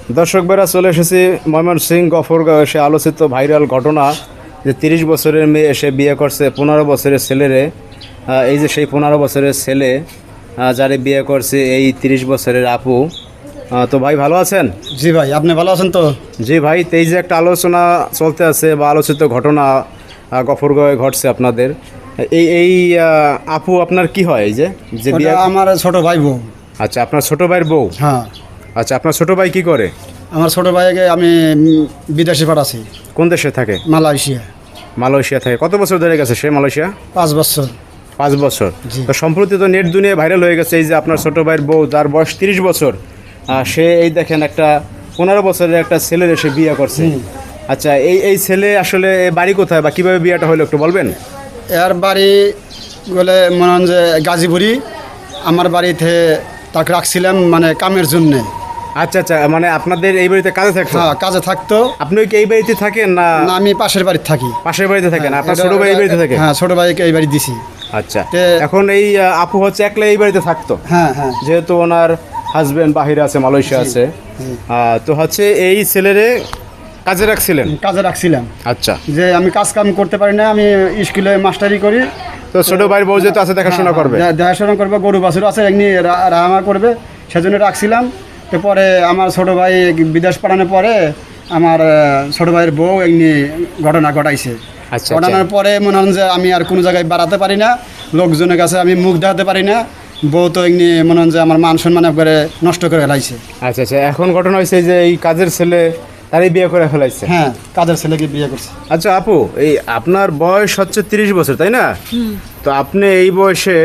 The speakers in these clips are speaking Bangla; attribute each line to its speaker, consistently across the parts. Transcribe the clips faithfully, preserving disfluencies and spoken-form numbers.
Speaker 1: দর্শক বেরা চলে এসেছি ময়মনসিংহ গফরগাঁও এসে আলোচিত ভাইরাল ঘটনা যে তিরিশ বছরের মেয়ে এসে বিয়ে করছে পনেরো বছরের ছেলেরে। এই যে সেই পনেরো বছরের ছেলে যারে বিয়ে করছে এই তিরিশ বছরের আপু। তো ভাই ভালো আছেন?
Speaker 2: জি ভাই, আপনি ভালো আছেন তো?
Speaker 1: জি ভাই, তো এই যে একটা আলোচনা চলতে আছে বা আলোচিত ঘটনা গফরগাঁওয়ে ঘটছে আপনাদের, এই এই আপু আপনার কি হয়? এই যে যে বিয়ে
Speaker 2: আমার ছোট ভাই বউ।
Speaker 1: আচ্ছা, আপনার ছোট ভাইয়ের বউ?
Speaker 2: হ্যাঁ।
Speaker 1: আচ্ছা, আপনার ছোট ভাই কি করে?
Speaker 2: আমার ছোট ভাইকে আমি বিদেশে পাঠাচ্ছি।
Speaker 1: কোন দেশে থাকে?
Speaker 2: মালয়েশিয়া।
Speaker 1: মালয়েশিয়া থাকে। কত বছর ধরে গেছে সে মালয়েশিয়া?
Speaker 2: পাঁচ বছর।
Speaker 1: পাঁচ বছর। তো সম্প্রতি তো নেট দুনিয়ায় ভাইরাল হয়ে গেছে এই যে আপনার ছোটো ভাইয়ের বউ, তার বয়স তিরিশ বছর, সে এই দেখেন একটা পনেরো বছরের একটা ছেলের এসে বিয়ে করছে। আচ্ছা, এই এই ছেলে আসলে বাড়ি কোথায় বা কীভাবে বিয়েটা হলো একটু বলবেন?
Speaker 2: এর বাড়ি বলে মনে হন যে গাজীপুরি। আমার বাড়িতে তাকে রাখছিলাম মানে কামের জন্যে।
Speaker 1: আচ্ছা আচ্ছা, মানে আপনাদের এই বাড়িতে কাজে থাকতো?
Speaker 2: হ্যাঁ, কাজে থাকতো।
Speaker 1: আপনি কি এই বাড়িতে থাকেন না?
Speaker 2: না, আমি পাশের বাড়িতে থাকি।
Speaker 1: পাশের বাড়িতে থাকেন? আপনার ছোটো ভাই এই বাড়িতে থাকে?
Speaker 2: হ্যাঁ, ছোটো ভাইকে এই বাড়ি দিছি।
Speaker 1: আচ্ছা, এখন এই আপু হচ্ছে একলা এই বাড়িতে থাকতো?
Speaker 2: হ্যাঁ হ্যাঁ।
Speaker 1: যেহেতু ওনার হাজবেন্ড বাহিরে আছে, মালয়েশিয়া আছে, তো হচ্ছে এই ছেলেরে কাজে রাখছিলেন?
Speaker 2: কাজে রাখছিলাম।
Speaker 1: আচ্ছা,
Speaker 2: যে আমি কাজ কাম করতে পারি না, আমি স্কুলে মাস্টারি করি।
Speaker 1: তো ছোট ভাইয়ের বউ যেহেতু আছে দেখাশোনা করবে?
Speaker 2: দেখাশোনা করবে, গরু বাছুর আছে এমনি রাহামা করবে, সেজন্য রাখছিলাম। তো পরে আমার ছোট ভাই বিদেশ পাঠানোর পরে আমার ছোট ভাইয়ের বউ এমনি ঘটনা ঘটাইছে।
Speaker 1: আচ্ছা,
Speaker 2: ঘটনার পরে মনে হন যে আমি আর কোনো জায়গায় বাড়াতে পারি না, লোকজনের কাছে আমি মুখ দেখাতে পারি না। বউ তো এমনি মনে হন যে আমার মান সম্মান করে নষ্ট করে ফেলাইছে।
Speaker 1: আচ্ছা আচ্ছা, এখন ঘটনা হয়েছে যে এই কাজের ছেলে তারই বিয়ে করে ফেলাইছে?
Speaker 2: হ্যাঁ, কাজের ছেলেকে বিয়ে করছে।
Speaker 1: আচ্ছা আপু, এই আপনার বয়স হচ্ছে তিরিশ বছর, তাই না? তো আপনি এই বয়সে,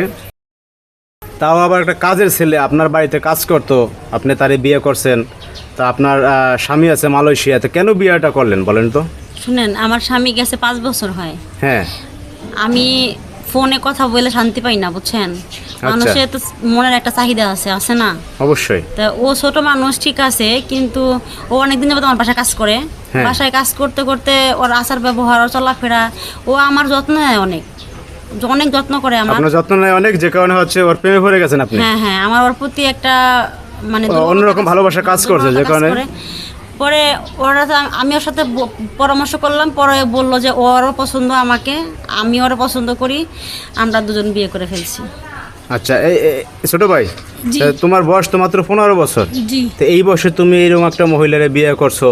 Speaker 1: তাও আবার একটা কাজের ছেলে আপনার বাড়িতে কাজ করতো, আপনি তারই বিয়ে করছেন। তা আপনার স্বামী আছে মালয়েশিয়াতে, কেন বিয়েটা করলেন বলেন তো?
Speaker 3: শুনেন, আমার স্বামী গেছে পাঁচ বছর হয়।
Speaker 1: হ্যাঁ।
Speaker 3: আমি ফোনে কথা বলে শান্তি পাই না, বুঝছেন? মানুষের তো মনের একটা চাহিদা আছে, আছে না?
Speaker 1: অবশ্যই।
Speaker 3: তা ও ছোট মানুষ ঠিক আছে, কিন্তু ও অনেকদিন যাবত আমার বাসায় কাজ করে। বাসায় কাজ করতে করতে ওর আচার ব্যবহার, ওর চলাফেরা, ও আমার যত্ন নেয় অনেক, অনেক যত্ন করে আমার।
Speaker 1: আপনার যত্ন নেয় অনেক, যে কারণে হচ্ছে ওর প্রেমে পড়ে গেছেন আপনি?
Speaker 3: হ্যাঁ হ্যাঁ, আমার ওর প্রতি একটা মানে
Speaker 1: অন্যরকম ভালোবাসা কাজ করছে, যে কারণে
Speaker 3: পরে ওরা, আমি ওর সাথে পরামর্শ করলাম, পরে বললো যে ওরও পছন্দ আমাকে, আমি ওরও পছন্দ করি, আমরা দুজন বিয়ে করে ফেলছি।
Speaker 1: আচ্ছা, এই ছোট ভাই, তোমার বয়স তো মাত্র পনেরো বছর।
Speaker 3: জি।
Speaker 1: তো এই বয়সে তুমি এরকম একটা মহিলারে বিয়ে করছো,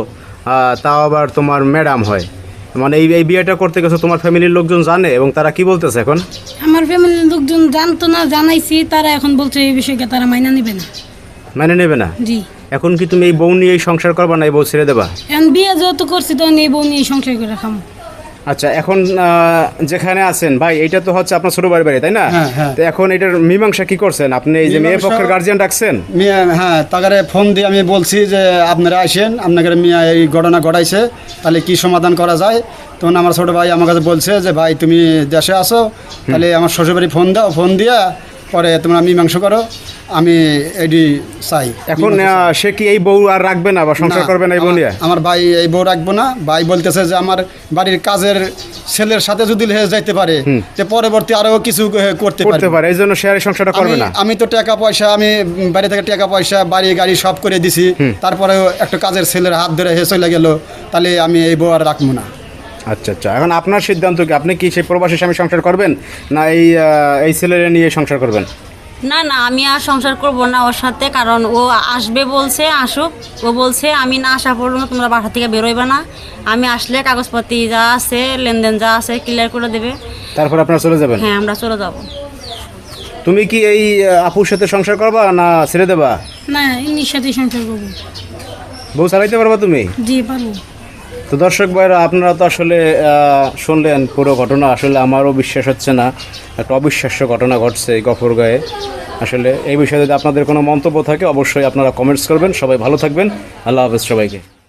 Speaker 1: তাও আবার তোমার ম্যাডাম হয়, মানে এই এই বিয়েটা করতে গেছো, তোমার ফ্যামিলির লোকজন জানে এবং তারা কি বলতেছে এখন?
Speaker 4: আমার ফ্যামিলির লোকজন জানতো না, জানাইছি, তারা এখন বলছে এই বিষয়কে তারা মাইনা নেবে না।
Speaker 1: মানে নেবে না?
Speaker 4: জি।
Speaker 1: এখন কি তুমি এই বউ নিয়ে সংসার করবা না এই বউ ছেড়ে দেবা?
Speaker 4: এখন বিয়ে যেহেতু করছি তখন এই বউ নিয়ে সংসার করে রাখাম।
Speaker 1: আচ্ছা, এখন যেখানে আছেন ভাই, এটা তো হচ্ছে আপনার ছোট ভাইয়ের বাড়ি, তাই না? তো এখন এটার মীমাংসা কি করছেন আপনি? এই যে মেয়ে পক্ষের গার্জিয়ান ডাকছেন?
Speaker 2: হ্যাঁ, তাকে ফোন দিয়ে আমি বলছি যে আপনারা আসেন, আপনাদের মেয়ে এই ঘটনা ঘটাইছে, তাহলে কি সমাধান করা যায়। তখন আমার ছোট ভাই আমার কাছে বলছে যে ভাই তুমি দেশে আসো, তাহলে আমার শ্বশুরবাড়ি ফোন দাও, ফোন দিয়া পরে তোমরা মীমাংসা করো, আমি এডি চাই।
Speaker 1: এখন সে কি এই বউ আর রাখবে না বা সংসার করবে না এই বউ নিয়ে?
Speaker 2: আমার ভাই এই বউ রাখবো না। ভাই বলতেছে যে আমার বাড়ির কাজের ছেলের সাথে যদি যাইতে পারে, যে পরবর্তী আরো কিছু করতে পারে,
Speaker 1: এই জন্য সে আর সংসারটা করবে না।
Speaker 2: আমি তো টাকা পয়সা, আমি বাড়ি থেকে টাকা পয়সা, বাড়ি গাড়ি সব করে দিছি, তারপরেও একটা কাজের ছেলের হাত ধরে হে চলে গেল, তাহলে আমি এই বউ আর রাখবো না।
Speaker 1: আচ্ছা আচ্ছা, এখন আপনার সিদ্ধান্ত কি? আপনি কি সেই প্রবাসী স্বামী সংসার করবেন না এই এই ছেলের নিয়ে সংসার করবেন?
Speaker 3: না না, আমি আর সংসার করব না ওর সাথে, কারণ ও আসবে বলছে, আসুক। ও বলছে আমি না আসা পর্যন্ত তোমরা বাসা থেকে বেরোইবে না, আমি আসলে কাগজপাতি যা আছে, লেনদেন যা আছে ক্লিয়ার করে দেবে,
Speaker 1: তারপর আপনারা চলে যাবেন?
Speaker 3: হ্যাঁ, আমরা চলে যাব।
Speaker 1: তুমি কি এই আপুর সাথে সংসার করবা না ছেড়ে দেবা?
Speaker 4: না, ইনির সাথে সংসার করবো।
Speaker 1: বউ চালাইতে পারবা তুমি?
Speaker 4: জি, পারবো।
Speaker 1: তো দর্শক ভাইরা, আপনারা তো আসলে শুনলেন পুরো ঘটনা। আসলে আমারও বিশ্বাস হচ্ছে না, একটা অবিশ্বাস্য ঘটনা ঘটছে এই গফরগাঁয়ে। আসলে এই বিষয়ে যদি আপনাদের কোনো মন্তব্য থাকে অবশ্যই আপনারা কমেন্টস করবেন। সবাই ভালো থাকবেন, আল্লাহ হাফেজ সবাইকে।